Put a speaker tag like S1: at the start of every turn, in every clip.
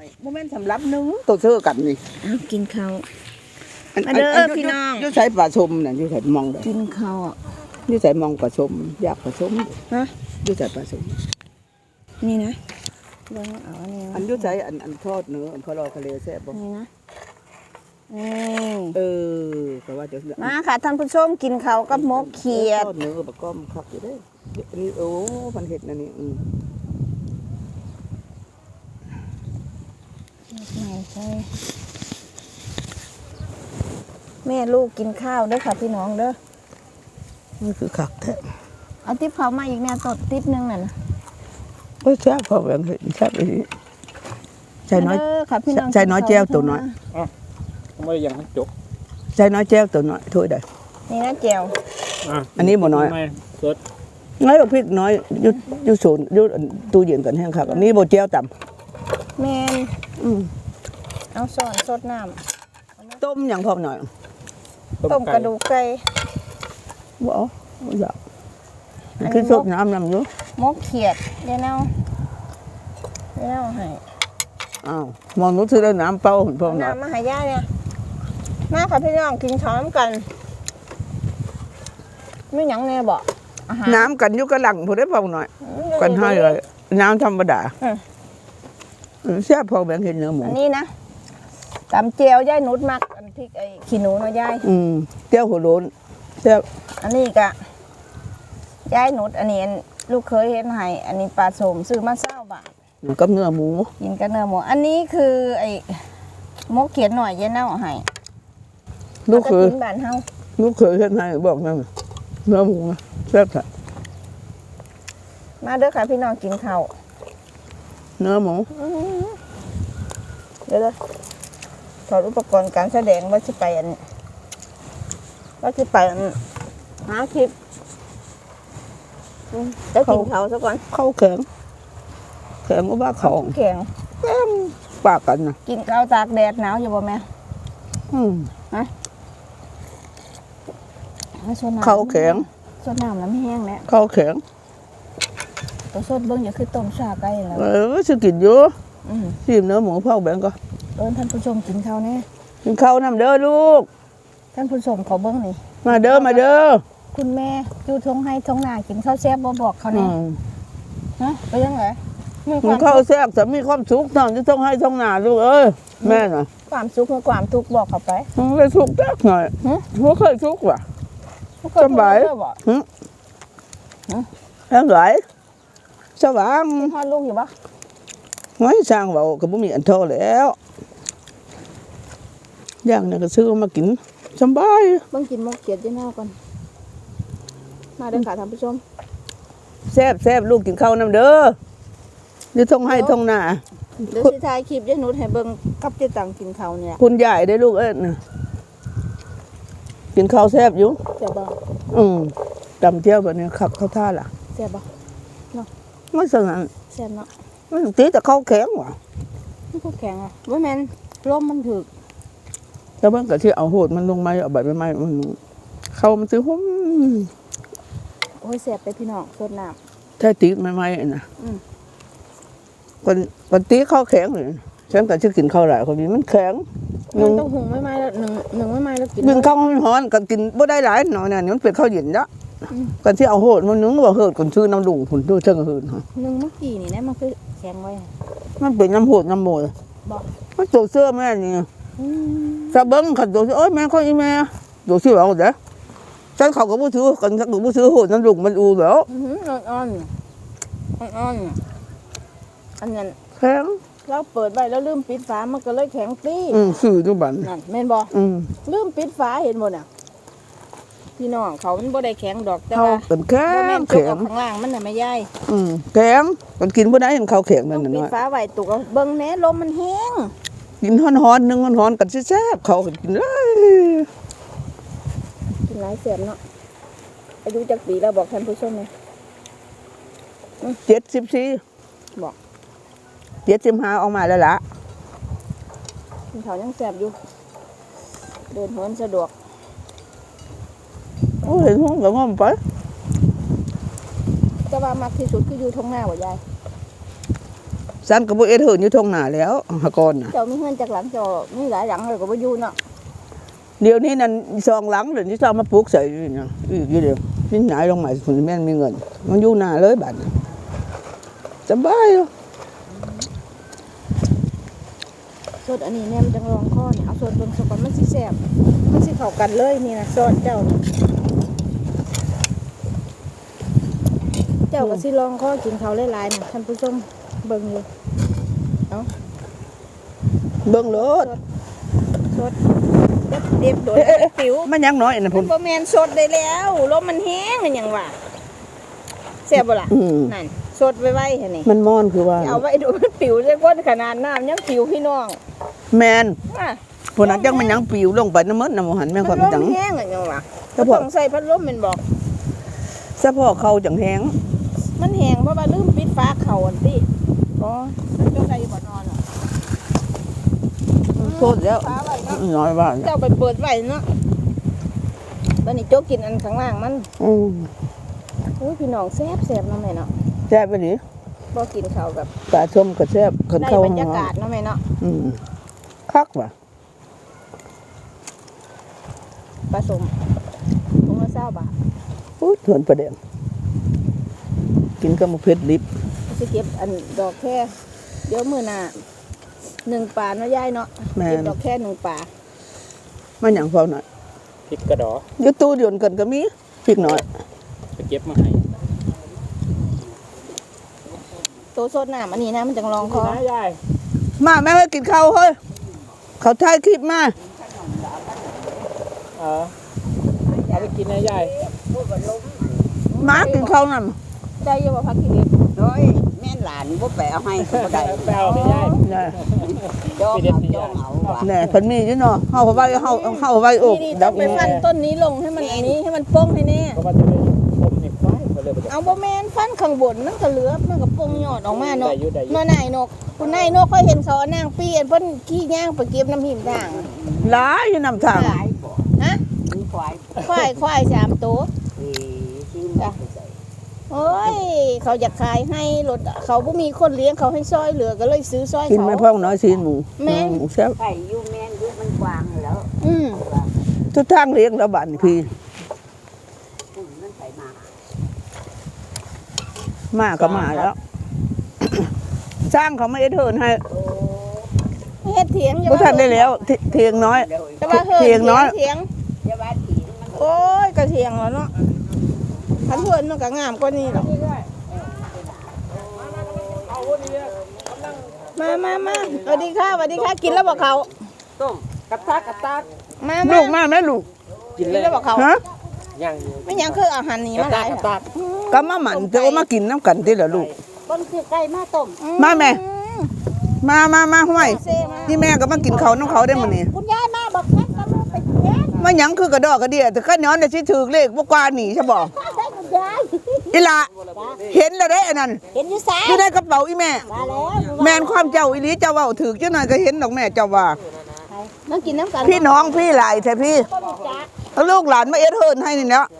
S1: โมเมนต์สำหรับนึ่งตัวเชื่อกันนี่
S2: กินข้าวมาเด้อพี่น้อง
S1: ยุ่ใส่ปลาชมน่ะยุ่ใส่มองเลย
S2: กินข้าว
S1: ยุ่ใส่มองปลาชมอยากปลาชม
S2: ฮะ
S1: ยุ่ใส่ปลาชม
S2: นี่นะลองเอา
S1: อันยุ่ใส่อันทอดเนื้ออันเขารอทะเลแซ่บบ่
S2: นี่นะ
S1: แต่ว่าจะ
S2: มาค่ะท่านผู้ชมกินข้าวกับหมกเขียด
S1: ทอดเนื้อปลาก้อมคักอยู่เด้อันนี้โอ้พันเห็ดนั่นนี่
S2: แม่ลูกกินข้าวเด้อค่ะพี่น้องเด้อ
S1: นี่คือคักแท้
S2: เอาติ๊บเขามาอีกแม่ตดติ๊บนึงน่ะ
S1: ก็แซ่บพอแบบเห็นแซ่บไปนี้ใจน้อย
S2: ค่ะพี่น้อง
S1: ใจน้อยแจ้วตัวน้อย
S3: ไม่ยังจบ
S1: ใจน้อยแจ้วตัวน้อยถ้วยใด
S2: นี่นะแจ่ว
S1: อันนี้บ่น้อย
S3: สด
S1: น้อยกว่าพริกน้อยยุศูนย์ยุตู้เย็นกันแห้งครับอันนี้โบแจ้วต่
S2: ำแมนเอาซ่อนสดน้ำ
S1: ต้มอย่างพอหน่อย
S2: ต้มกระดูกไก่
S1: บ่อยากคือสดน้ำอยู่
S2: มกเขียดเดี๋ยวเอาให้
S1: มองนู้นซื้อได้น้ำเปล่าพอหน่อย
S2: น้ำมาให้ย่าเนี่ยมาค่ะพี่น้องกินช้อนกันไม่หยังแน่บอก
S1: น้ำกันอยู่กระหลังพอได้พอหน่อยกันให้เลยน้ำธรรมดาแซ่บพอแบ่งเห็นเนื้อหมู
S2: อันนี้นะตำเจียวย่ายนุชมักอันพริกไอ้ขี้หนูน้อยย่าย
S1: เจียวหัวโล้นแซ่บ
S2: อันนี้กะย่ายนุชอันนี้ลูกเคยเห็นให้อันนี้ปลาสมซื้อมา20 บาท
S1: กับเนื้อหมู
S2: กินกับเนื้อหมูอันนี้คือไอ้มกเขียนหน่อยเย็นเน่าให้
S1: ลูกเคย
S2: บ้านเฮา
S1: ลูกเคยเห็นให้บอกนั่นเนื้อหมูแซ่บค่ะ
S2: มาเด้อค่ะพี่น้องกินข้าว
S1: เนื้อหมู
S2: เดี๋ยวถอดอุปกรณ์การแสดงว่าจะไปหาคลิปจะกินข้าวซะก่อน
S1: ข้าวแข็งก็ว่าเขา
S2: แข็ง
S1: ปากกันนะ
S2: กินข้าวตากแดดหนาวอยู่บ่แม่ฮะ
S1: ข้าวแข็ง
S2: สดน้ำแล้วไม่แห้งแล้ว
S1: ข้าวแข็ง
S2: ตัวสดเบิ้งอย่าคือต้มชาไก่แล้ว
S1: จะกินอยู่ชิมเนื้อหมูเผาแบงก็
S2: ท่านผู้ชมกินข้าวแน่
S1: กินข้าวน้ำเด้อลูก
S2: ท่านผู้ชมขอเบิ้งนี่
S1: มาเด้อ
S2: คุณแม่อยู่ท้องให้ท้องนากินข้าวแซ่บบ่บอกเขาแน่ฮะไปยังไง
S1: มีข้าวแซ่บแต่มีความสุขตอนที่ท้องให้ท้องนาลูกแม่น่ะ
S2: ความสุขกับความทุกข์บอกเขาไป
S1: เคยสุขจักหน่อยไม่เคยสุขว่ะสบายสบายสบาย
S2: พ่อลูกอยู่ปะ
S1: ไม่สร้างเบาก็บ่มีอันโทแล้วอย่างนี้ก็ซื้อมากินสบาย
S2: เบิ่งกินมกเขียดที่หน้าก่อนมาเด้อค่ะท่านผู้ชม
S1: แซ่บลูกกินข้าวน้ำเด้ออยู่ท้องให้ท้องนา
S2: เดี๋ยวสิถ่ายคลิปยายนุชให้เบิ่งกับเจ๊ตังกินข้าวเนี่ย
S1: คุณยายได้ลูกกินข้าวแซ่บอยู่
S2: แซ่บบ่
S1: ตำเจียวแบบนี้ขับข้าวท่าล่ะ
S2: แซ่บบ่เนาะ
S1: ไม่สั่ง
S2: แซ่บเนาะ
S1: ไม่ตีแต่ข้าวแข็งว่ะ
S2: ข้าวแข็งว่าแม่นร่มมันถึก
S1: แล้วมันก็ที่เอาโหดมันลงมาเอาใบไม้มันเข้ามันซื้อหุ้ม
S2: โอ้ยแซ่บไปพี่น้องสดน้
S1: ำใช่ตีไม้นะคนตีข้าวแข็งเลยฉันก็ชื่อกินข้าวหลายคนนี้มันแข็ง
S2: มันต้องหุงไม่แล้วหนึ่งไม่แล้วกิน
S1: นึ่งข้าวมันร้อนก็กินบ่ได้หลายหน่อยเนี่ยมันเป็นข้าวเย็นละกันที่เอาโหดมันนึ่งว่าโหดคนชื่อน้ำดุ่งผุนด้วยเชิงหืนฮะ
S2: นึ่งเมื่อกี้นี่นะมันคือแข็งไว้
S1: มันเป็นน้ำโหดน้ำโมย
S2: บอก
S1: มันตัวเสื้อแม่นี่สะเบิ้งขัดตัวเสื้อแม่ข้ออีแม่ตัวเสื้อเอาเด้อฉันเขาก็ผู้ซื้อกันฉันก็ผู้ซื้อโหดน้ำดุ่งมันอูแล้ว
S2: อ่อนอันนั้น
S1: แข็ง
S2: เราเปิดไว้แล้วลืมปิดฝามันก็เลยแข็งปี้
S1: สื่อทุกบัน
S2: นั่นแม่นบ่ลืมปิดฝาเห็นบ่น่ะพี่น้องเขามันบ่ได้แข็งดอกแต่ว่า
S1: เป็นแข็ง
S2: แข็งข้างล่างมันน่ะไม่ใหญ่
S1: แข็งมันกินบ่ได้เห็นเขาแข็งนั่นน่ะ
S2: ปิดฝาไว้ตุกเบิ่งแหน่ลมมันแห้ง
S1: กินฮ้อนๆนึงฮ้อนๆกันแซ่บเขากินเลย
S2: กินหลายแซ่บเนาะอายุจักปีแล้วบอกท่านผู้ชมหน่อย
S1: 74
S2: บอก
S1: 75ออกมาแล้วล่ะ
S2: เขายังแซ่บอยู่เดินเหินสะดวก
S1: โอ้เห็นห้องกับห้องไป
S2: จะว่ามักที่สุดคืออยู่ท้องหน้าว่ายาย
S1: ฉันก็บ่เอ็ดเหินอยู่ทงหน้าแล้วหากอนน่ะ
S2: เจ้ามีเฮือนจากหลังเจ้ามีหลายหลังเลยก็บ่อยู่เนาะ
S1: เดี๋ยวนี้นั่นซองหลังเดี๋ยวนี้ซองมาปลูกใส่อยู่นี่อีกอยู่เดียวนี่ไหนลงมาคุณแม่นมีเงินมันอยู่หน้าเลยบัดน่ะสบายอยู่
S2: สดอันนี้แม่มันจังรองคอเนี่ยเอาสดเบิ่งซะก่อนมันสิแซ่บมันสิเข้ากันเลยนี่นะซอสเจ้านี่เจ้าก็สิลองคอกินเขาวหลายๆนะท่านผู้ชมเบิ่งอยู่
S1: เบิ่งโลด
S2: สดเด็บโดนผิว
S1: มันยังน้อยน่ะ
S2: มั
S1: พุ่
S2: น
S1: น
S2: บ่แม่นสดได้แล้วลมมันแห้งมันหยังวะแซ่บบ่ล่ะ
S1: อืม
S2: นั่นสดไว้ๆหั่นนี่
S1: มันมอนคือว่า
S2: เอาไว้ดูมันผิวจังก้นขนาดน้ำยังผิวพี่น้อง
S1: แมน
S2: อ่ะ
S1: พุ่นนั้นจังมันยังปิวลงไปน้ำมันน้ำหันแม่นความ
S2: พัดล
S1: จัง
S2: มแห้งอะหยังวะ
S1: ถ้าพวก
S2: ต้องใส่พัดลมแม่นบอก
S1: สะโพกเขาจังแห้ง
S2: มันแห้งเพราะว่าลืมปิดฟ้าเข่าอันติอ๋อมันจะใส่บ่นอนอ่ะ
S1: โทษแล้ว
S2: ฟ้าไว้เนาะ
S1: น้อยว่า
S2: เจ้าไปเปิดไว้เนาะบัดนี้โจ๊กกินอันข้างล่างมัน
S1: อืม
S2: อุ้ยพี่น้องแซ่บเนาะแม่เนาะ
S1: แซ่บไปดิ
S2: บ่กินข้าวแบบ
S1: ปลาชมก็แซ่บคน
S2: ได้
S1: เข้า
S2: บร
S1: ห้อง
S2: รยากาศเนาะแม่เนาะ
S1: อืมคักว่ะ
S2: ผสมถุงละ20 บาท
S1: อู้ถวนประเดี๋ยวกินกับมะเขือลิบ
S2: สิเก็บอันดอกแค่เดี๋ยวมื้อหน้า1 ป่าเนาะยายเนาะ
S1: แม่
S2: เก็บ
S1: น
S2: ดอกแค่1 ป่า
S1: มันหยังเฝ้าหน่อย
S3: พริกกระดอ
S1: อยู่ตู้เดียวกันก็มีพริกหน่อย
S3: ไปเก็บมาให้
S2: โตสดน้ำอันนี้นะมันจังรองคอ
S3: นะยาย
S1: มาแม่ให้กินข้าวเฮ้ยเขาถ่ายคลิปมา
S3: เอาไปกินนะยาย
S1: มากินข้าวนั่น
S2: ใจเยาว่าพักกิเลส
S4: โอ้ยแม่นหลานบ่ไปเอาให้ก็บ่ได้
S3: ไปเอาไปยาย
S1: นี่
S4: จองเอาจองเอาว่ะ
S1: แน่เพิ่นมีอยู่เนาะเฮาไว้เฮาไว้อก
S2: นี่
S1: ดั
S2: ต้อบ งไปฟันต้นนี้ลงให้มันอันนี้ให้มันโป้งให้แน่
S3: เพราะว่าจะไปผมนี่ควายไปเลยไป
S2: เอาบ่แม่นฟันข้างบนมันก็เหลือมันก็โป้งยอดออกมาเนาะ
S3: ได้อยู่ได้อยู่
S2: เนาะนายนกคุณนายนกค่อยเห็นเขาเอานางปีอันเพิ่นขี้ย่างไปเก็บน้ำหิมด่าง
S1: หลายอยู่นำทาง
S4: หลายบ่
S2: ฮะ
S4: มีควาย
S2: ควาย3 ตัว
S4: ซื้อมาใส่
S2: โอ้ยเขาอยากขายให้รถเขาบ่มีคนเลี้ยงเขาให้ซอยเหลือก็เลยซื้อซอย
S1: กิน
S2: เขา
S1: ไม่พ้องน้อยซีนหมู
S2: แม่น
S1: หมูแซ่บ
S4: ไก่อยู่แม่นอยู่มันกว้างแล้ว
S2: อืม
S1: ทุกทางเลี้ยงแล้วบ้านนี่พี่
S4: มันใส่มา
S1: มาก็มาแล้ว สร้างเขาไม่ได้เทินให้
S2: เฮ็ดเถียงอย่า
S1: บ่
S2: ว่า
S1: ทันได้แล้วเทียงน้อย
S4: เดี๋ยว
S2: แต่ว่าเฮ็ด
S1: เถียงน้อย
S2: เถียง
S4: อย่าว่าถีนมัน
S2: โอ้ยกระเทียงแล้วเนาะพันเพื่อนมันก็งามกว่านี้หรอกมาสวัสดีค่ะสวัสดีค่ะ กินแล้วบอกเขา
S4: ต้มกระตักกระตัก
S2: มา
S1: ลูกมาแม่ลูก
S2: กินแล้วบอกเขา
S1: ฮะ
S3: ย่าง
S2: ไม่ยังคืออาหารนี้มาหลาย
S1: ก็มาหมันจะเอามากินน้ำกันติล่ะลูก
S4: ต้นคือไก่มาต้ม
S1: มาแม่ มาห้วย
S2: เซ่มา
S1: นี่แม่ก็มากินข้าวน้ำเขาได้มื้อนี้
S4: คุณยายมาบอกแม่ก็ลูกไปเลี้ยง
S1: มาหยังคือกระดอกกระเดียแต่ข้าย้อนได้สิถูกเลขบ่กว่าหนีใช่บ่
S4: ได้คุณยาย
S1: อีหละเห็นแล้วเด้อันนั้น
S4: เห็นอยู่ไส
S1: อยู่ในกระเป๋าอีแม่
S4: มาแล้ว
S1: แม่นความเจ้าอีหลีเจ้าเว้าถูกจังหน่อยก็เห็นดอกแม่เจ้าว่า
S2: นั่งกินน้ำกัน
S1: พี่น้องพี่หลายแท้พี่เอาลูกหลานมาเอ็ดเฮินให้นี่แหล้ว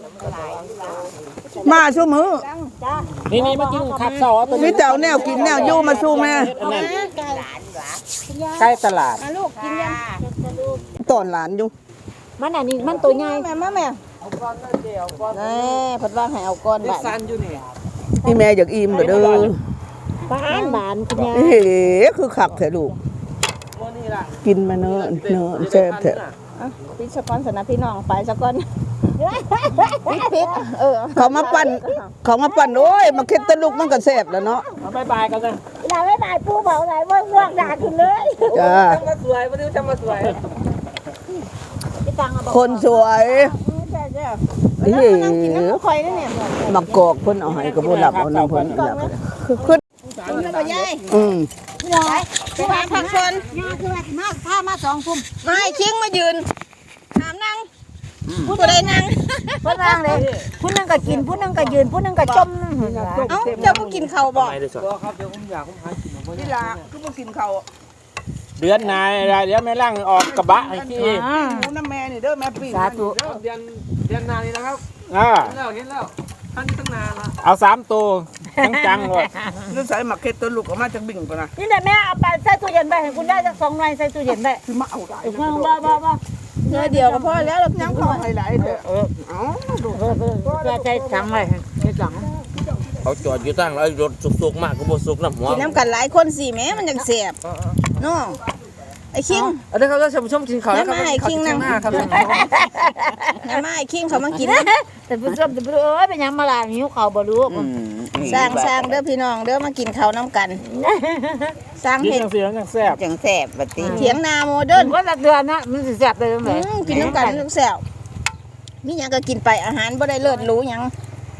S1: มาชั่วมือ
S4: จ้า
S3: นี่มากินขับเสาตัว
S1: มีเจ้าแนวกินแนวอยู่มาสู้แม่
S3: ใกล้ตลาด
S2: ลูกกินยัง
S1: ตอนหลานอยู่
S4: มันอันนี้มันตัวใหญ่
S2: แม่แม่ผัดว่าให้เอาก้อนแบบ
S1: นี่แม่อยากอิ่มเด้อ
S4: บ้านบานคุณยาย
S1: เฮ้คือคักแท้ลูกกินมาเนอะแซ่บแท้
S2: พี่สะก้อนสนะพี่น้องไปสะก้อนพริก
S1: เขามาปั่นโอ้ยมาเค็ดแตะลูกมันก็แซ่บแล้วเนาะ
S3: เอาบายกันนะ
S4: ลาไม่บายปูเบาไหนว่าเลือกด่าคุณเลย
S1: จ้า
S3: มาสวยมาดูจะมาสวย
S4: พี่ตังเอาบอก
S1: คนสวยเฮ้
S2: นั่งกินน้ำข่อยนี่เนี่ย
S1: มากอกเพิ่นเอาให้ก็บ่รับเอาน้ำเพิ่นรับขึ้น
S2: แล้วก็ยาย
S4: ยาย
S2: ไปหาผักชน
S4: ยายคือว่ามาพามา2 ทุ่ม
S2: ไม่ชิงมายืนถามนั่งผู้ใดนั่ง
S4: เพิ่นวางเลยผู้นึงก็กินผู้นึงก็ยืนผู้นึงก็จม
S2: เอ้าเจ้าก็กินข้าวบ่
S3: ไม่ได้สวย
S1: นี่ล่ะคือบ่กินข้าว
S3: เดือนนายเดี๋ยวแม่ล่างออกกระบะให้ที่
S1: หมูน้ำแม่นี่เด้อแม่ปิ้ง
S4: สาธุ
S5: เดือนนานนี้นะครับ
S3: อ่า
S5: เห็นแล้วท่านนี้ตั้งนานละ
S3: เอา3 ตัวจังๆเลย
S1: นึกใส่หมักเค็ดตัวลูกออกมาจากบิ่งปะนะ
S4: นี่แหละแม่เอาไปใส่ตู้เย็นไปให้คุณได้สัก2 หน่วยใส่ตู้เย็นได้
S1: คือมาเอาได้
S4: บ่
S2: เนื้อเดียวก็พอแล้วเรา
S1: ยัง
S2: พ
S1: พ
S2: อ
S1: อไฮไลท์เถอะเอ้า
S4: จะใส่ถังไว้ให้ถัง
S3: เขาจอดอยู่ตั้งแล้วรถสุกๆมากก็บ่สุกน้ำหัว
S2: กินน้ำกันหลายคนสิแม่มันยังแซ่บเนาะไอ้คิง
S5: เอาได้ครับท่านผู้ชมกินข้าวแล้วครับ
S2: น้ำไม้คิงนั่ง
S5: ครับ
S2: น้ำไม้คิงเขามากินนะ
S4: แต่ผู้ชมจะเอ้ยเป็นหยังมาล่ะหิวข้าวบ่รู้
S2: สร้างเด้อพี่น้องเด้อมากินข้าวน้ำกัน สร้าง
S3: กิน
S2: เห็ด
S3: จังซี่จังแซ่บ
S2: จังแซ่บบัดนี้เถียงนาโมเดิร์น
S4: ก็ละเดือนนะมันสิแซ่บได้จังได๋
S2: กินน้ำกันลูกแซ่บมีหยังก็กินไปอาหารบ่ได้เลิศหรูหยัง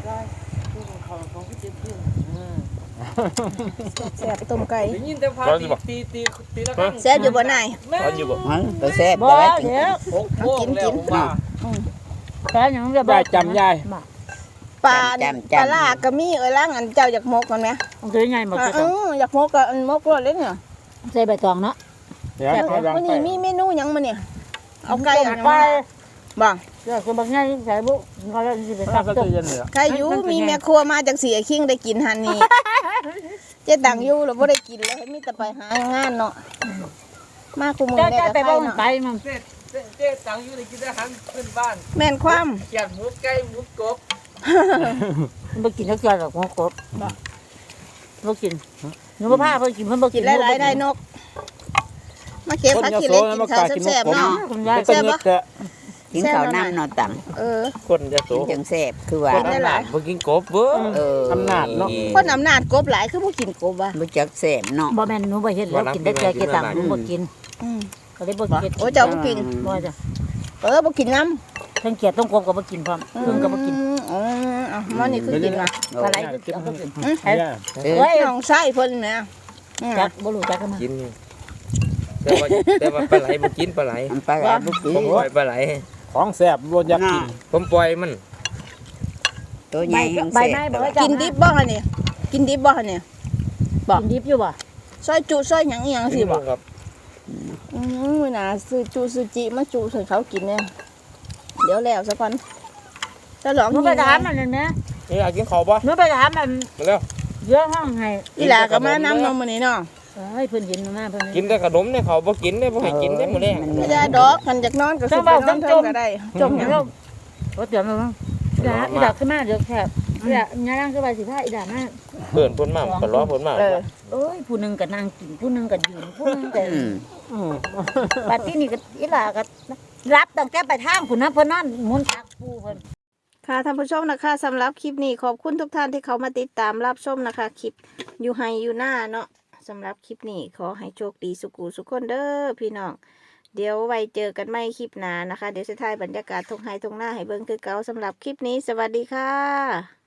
S2: แซ่บต้มไก่
S5: ยินแต่พาตีละครั้ง
S2: แซ่บอยู่บ่นาย
S3: เขาอยู่บ่
S1: ตัวแซ่บ
S4: บ่เดี๋ยว
S5: 6 โมงแล้วผมว่า
S4: แต่หยังจะ
S3: ยายจำยาย
S2: ปลาปลาลาก็มีล่างอันเจ้าอยากมกกันไหม
S4: มันคือไงหมด
S2: อยากมกก็อันมกรสเลยเนี่ย
S4: ใส่ใบตองเนาะ
S3: เดี๋ยวเขาดัง
S2: วัน
S3: ไป
S2: นี้มีเมนูหยังมาเนี่ยเอาไก่อัน
S4: ไป
S2: บ่
S4: เดี๋ยวคือบางอย่างใส่บุก็สิไป
S3: ถ้า
S4: ตัก
S3: ก็
S4: ต้
S3: จะ
S4: ม
S3: เย็นเหลือ
S2: ไก่อยู่มีแม่ครัวมาจากเสียคิงได้กินหันนี่เจ๊ตังอยู่แล้วบ่ได้กินเลยมีแต่ไปหางานเนาะมาคุมือ
S4: เจ้า
S2: ได้
S4: จะ
S2: กับ
S4: ไป
S2: ไก่
S4: บ่มัน
S2: เนาะ
S4: ไปมัน
S5: เจ๊ตังอยู่ในกินอาหารขึ้นบ้าน
S2: แม่นความ
S5: แกงหมูไก่หมูกบ
S4: บ่กินจักเทื่อหรอกหัวกบบ่กินหนูบ่พาเพิ่นกินเพิ่นบ่
S2: กิ
S4: กิ
S2: น
S4: น
S2: หลายๆได้นก มาเก็บผักกินเล็กกินข้าวแซ่บๆเนาะ
S4: คุณยาย
S3: เป็นเงือกแท้
S6: กินข้าวน้ำนอนต่
S2: เออ
S3: คนจะโต
S6: ำจังแซ่บคือว่า
S2: กินได้หลาย
S3: บ่กินกบเบ้อ
S6: อ
S3: ำนาจเนาะ
S2: คนอำนาจกบหลายคือบ่กินกบอ่ะ
S6: บ่จักแซ่บเนาะ
S4: บ่แม่นหนูบ่เฮ็ดแล้วกินได้แต่เกตังหนูบ่กิน
S2: อืม
S4: ก็เลยบ่เฮ็ด
S2: โอ้เจ้าบ่กิน
S4: บ่จ้ะ
S2: บ่กินน้ำ
S4: ทั้งเกียดต้องกบก็บ่กินพร้อมพึ่งก็บ่กิน
S2: อ๋อมันนี่คือกินมา
S4: ปลาไหลก็กินเอาก็กิน
S3: เนี่ย
S4: เฮ้ย
S2: น้องไส้เพิ่นนะ
S4: จักบ่รู้จักกันมา
S5: กินแต่ว่าปลาไหลบ่กินปลาไหล
S6: มันปลาไหลบ่กิน
S5: ผมปล่อยปลาไหล
S3: ของแซ่บบ่อยากกิน
S5: ผมปล่อยมัน
S6: ตัวใหญ่ยัง
S4: ใบ
S6: แซ่
S4: ไม้
S6: บ
S4: บ่ว่าจั
S2: กินดิบบ่ฮะนี่กินดิบบ่ฮะนี่
S4: กินดิบอยู่บ่
S2: ซอยจุซอยหยังอีหยังสิบ่
S5: ครับ
S2: มื้อหน้าซื้อจุซื้อจิมาจุให้เขากินเนี่ยเดี๋ยวแล้วซะก่อนจะลอง
S4: หนูไปถามมันนั่นแหม
S5: นี่อยากกินข้าวบ่
S4: หนูไปถามมัน
S5: มาแล้ว
S4: เยอะห้องให้
S2: อีหลาก็มานำนมมื้อนี้เนาะ
S4: เฮ้ยเพิ่นเห็นมาเพิ่น
S5: กินแต่ขนมเนี่ยเขาบ่กินได้บ่ให้กินได้มื้อแรง
S2: ไม่ได้ดอกคันจากนอนก็สิไปนอนเทิงก็ได้จมหยัง
S4: บ่เตือนมาบ้างอีดาขึ้นมาเดี๋ยวแคบอีดาย่างคือว่าสิพาอีดามา
S5: เพิ่นเพิ่นมาก็รอเพิ่นมา
S4: โอ้ยผู้หนึงก็นั่งกินผู้หนึงก็ยืนผู้หนึงก็
S6: อืม
S4: บัดนี้ก็อีหลาก็รับตั้งแต่ไปทางพุ่นนะเพิ่นนอนหมุนตักปูเพิ่น
S2: ค่ะท่านผู้ชมนะคะสำหรับคลิปนี้ขอบคุณทุกท่านที่เขามาติดตามรับชมนะคะคลิปอยู่ไฮอยู่หน้าเนาะสำหรับคลิปนี้ขอให้โชคดีสุขุสุขคนเด้อพี่น้องเดี๋ยวไว้เจอกันใหม่คลิปหน้านะคะเดี๋ยวจะถ่ายบรรยากาศทงไฮทงหน้าให้เบิ่งคือเก่าสำหรับคลิปนี้สวัสดีค่ะ